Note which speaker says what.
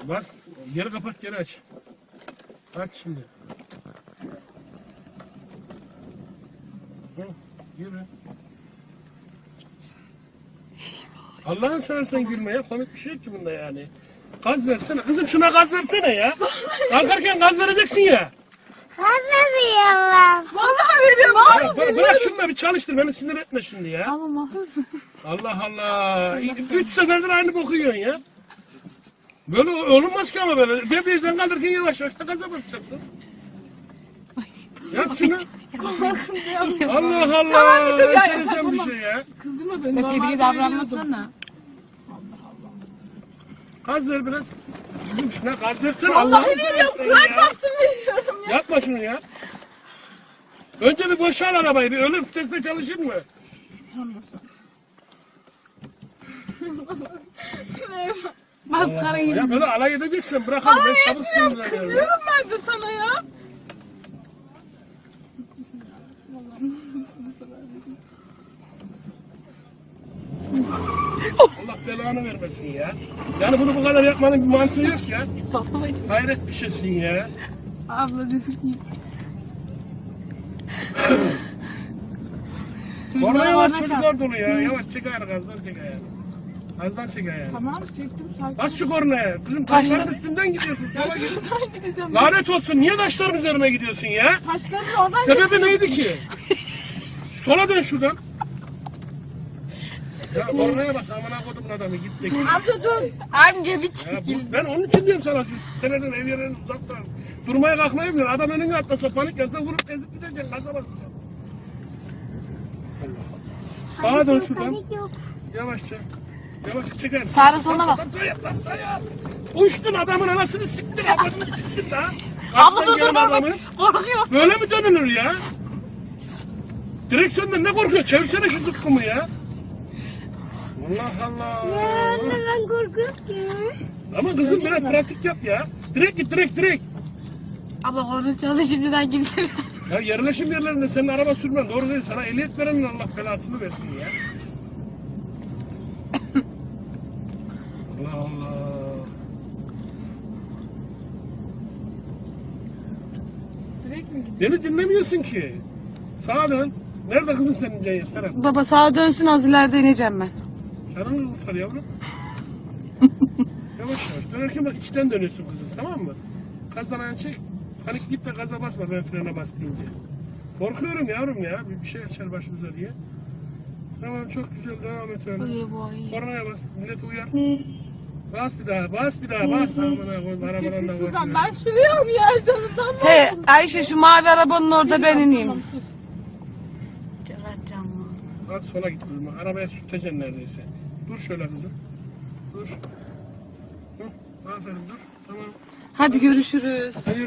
Speaker 1: Bas. Geri kapat, geri aç. Aç şimdi. Hı, yürü. Allah'ın seversen gülme ya. Komik bir şey yok ki bunda yani. Gaz versene. Kızım şuna gaz versene ya. Kalkarken gaz vereceksin ya.
Speaker 2: Kazanıyorum.
Speaker 3: Vallahi veriyorum.
Speaker 1: Ya, bırak şunu da bir çalıştır. Beni sinir etme şimdi ya.
Speaker 3: Ama mahsus.
Speaker 1: Allah Allah. 3 seferdir aynı boku yiyorsun ya. Böyle olmaz ki ama böyle. Debriyajdan kaldırırken yavaş yavaş da gaza basacaksın. Yap şunu. Allah Allah.
Speaker 3: Tamam, bir dur ya,
Speaker 1: Enteresan
Speaker 3: tamam.
Speaker 1: bir şey ya.
Speaker 3: Kızdırma beni.
Speaker 4: Tebrik davranmasana.
Speaker 1: Gaz ver biraz. Kızım şuna gaz versene.
Speaker 3: Vallahi
Speaker 1: Allah'ını
Speaker 3: veriyorum.
Speaker 1: seversen
Speaker 3: Kur'an
Speaker 1: ya.
Speaker 3: çarpsın veriyorum ya.
Speaker 1: Yapma şunu ya. Önce bir boşal arabayı. Bir ölüm vitesinde çalışır mı?
Speaker 4: Maskara gibi.
Speaker 1: Ya böyle alay edeceksin. Bırakalım. Ben çabuk sinirleniyorum. ya.
Speaker 3: Kızıyorum ben de sana ya.
Speaker 1: Allah belanı vermesin ya. Yani bunu bu kadar yapmanın bir mantığı yok ya. Hayret bir şeysin ya.
Speaker 4: Abla desin ki.
Speaker 1: Orada yavaş çocuklar dolu ya. Yavaş çek ayağını, gazdan çek ayağını. Gazdan çek ayağını.
Speaker 3: Tamam çektim sakin.
Speaker 1: Bas şu kornaya. Kızım taşların üstünden gidiyorsun. Sola git.
Speaker 3: Şuradan gideceğim.
Speaker 1: Lanet olsun. Niye taşların üzerine gidiyorsun ya?
Speaker 3: Taşların oradan
Speaker 1: Sebebi neydi ki? Sola dön şuradan. Ya kornaya bas. Amına kodumun adamı. Git de git.
Speaker 3: Amca dur.
Speaker 4: Amca bir
Speaker 1: Ya
Speaker 4: çekil.
Speaker 1: ben onun için diyorum sana şu seneden ev yerlerini uzaktan. Durmaya kalkmayı biliyor. Adam önüne atlasa panik yapsa vurup ezip gideceksin. Gaza basacaksın. Sağa dön şuradan. Yavaşça. Yavaşça çeker.
Speaker 4: Sağa sola bak.
Speaker 1: Sayı. Uçtun adamın anasını siktin. Ablasını siktin daha.
Speaker 4: Abla
Speaker 1: Kaçtan
Speaker 4: dur
Speaker 1: gelen
Speaker 4: dur bak.
Speaker 1: adamı.
Speaker 4: Korkuyor.
Speaker 1: Böyle mi dönülür ya? Direksiyondan ne korkuyor? Çevirsene şu zıkkımı ya. Allah Allah.
Speaker 2: Anne ben korkuyorum.
Speaker 1: Ama kızım biraz pratik yap ya. Direkt git direkt.
Speaker 4: Abla korna çaldı şimdiden gitsin.
Speaker 1: Ya yerleşim yerlerinde senin araba sürmen doğru değil. Sana ehliyet verenin Allah belasını versin ya. Allah Allah.
Speaker 3: Direkt mi gidiyor?
Speaker 1: Beni dinlemiyorsun ki. Sağa dön. Nerede kızım senin Ceyhan Serap?
Speaker 4: Baba sağa dönsün az ileride ineceğim ben.
Speaker 1: Canını kurtar yavrum. Yavaş yavaş. Dönerken bak içten dönüyorsun kızım, tamam mı? Gazdan ayağını çek. Panik git de gaza basma ben frene bas deyince. Korkuyorum yavrum ya. Bir şey açar başımıza diye. Tamam çok güzel devam et öyle.
Speaker 4: Uyu boy.
Speaker 1: Kornaya bas. Millet uyar. Bas bir daha. Bas. Amına koyayım. Arabadan da
Speaker 3: Şuradan
Speaker 1: korkuyorum.
Speaker 3: ben şurayım ya canından mı?
Speaker 4: He Ayşe şu mavi arabanın orada ben ineyim.
Speaker 3: Tamam, sus.
Speaker 1: Az sola git kızım. Arabaya sürteceksin neredeyse. Dur şöyle kızım. Dur. Hı, aferin dur. Tamam.
Speaker 4: Hadi görüşürüz.
Speaker 1: Hadi